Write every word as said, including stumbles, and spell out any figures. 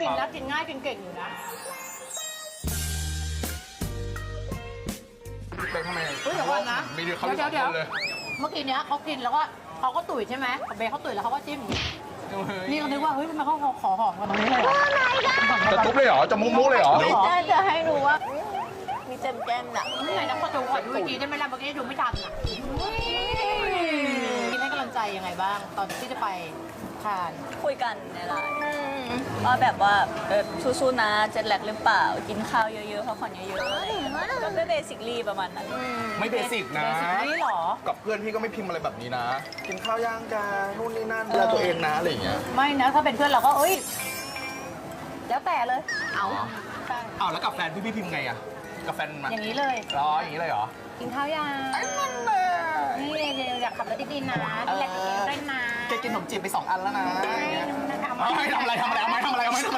กินแล้วกินง่ายกินเก่งอยู่นะเป็นทำไมเฮ้ยเดี๋ยวก่อนนะมีเดียวเขาเดี๋ยวเดี๋ยวเลยเมื่อกี้เนี้ยเขากินแล้วก็เขาก็ตุ๋ยใช่ไหมเบย์เขาตุ๋ยแล้วเขาก็จิ้มนี่เขาคิดว่าเฮ้ยทำไมเขาขอหอมกันตรงนี้เลยจะทุบเลยเหรอ จะมุ้งมุ้งเลยเหรอน่าจะให้ดูว่ามีแจมแก้มน่ะไหนนะขอดูขอดูอีกทีได้ไหมล่ะเมื่อกี้ดูไม่ทันอ่ะกินให้กำลังใจยังไงบ้าง ตอนที่จะไปทานคุยกันในไลน์ว่าแบบว่าเออสู้ๆนะเจ็ดแลกหรือเปล่ากินข้าวเยอะๆพักผ่อนเยอะๆอะไรอย่างเงี้ยก็เป็นเบสิคลีประมาณนั้นไม่เบสิกนะเบสิกนี่หรอกับเพื่อนพี่ก็ไม่พิมพ์อะไรแบบนี้นะ กินข้าวย่างกันนู่นนี่นั่นดูแลตัวเองนะอะไรอย่างเงี้ยไม่นะถ้าเป็นเพื่อนเราก็เอ้ยแล้วแต่เลย เอาใช่อ้าวแล้วกับแฟนพี่พี่พิมพ์ไงอะกับแฟนมาอย่างนี้เลยรออย่างนี้เลยเหรอกินข้าวยังไอ้นั่นแหละนี่เดี๋ยวอยากขับรถดีๆนะดูแลตัวเองด้วยนะแกกินขนมจีบไปสองอันแล้วนะอย่างเงี้ยนะคะเอาไม่ทำอะไรทำอะไรเอาไม่ทำอะไรเอาไม่ท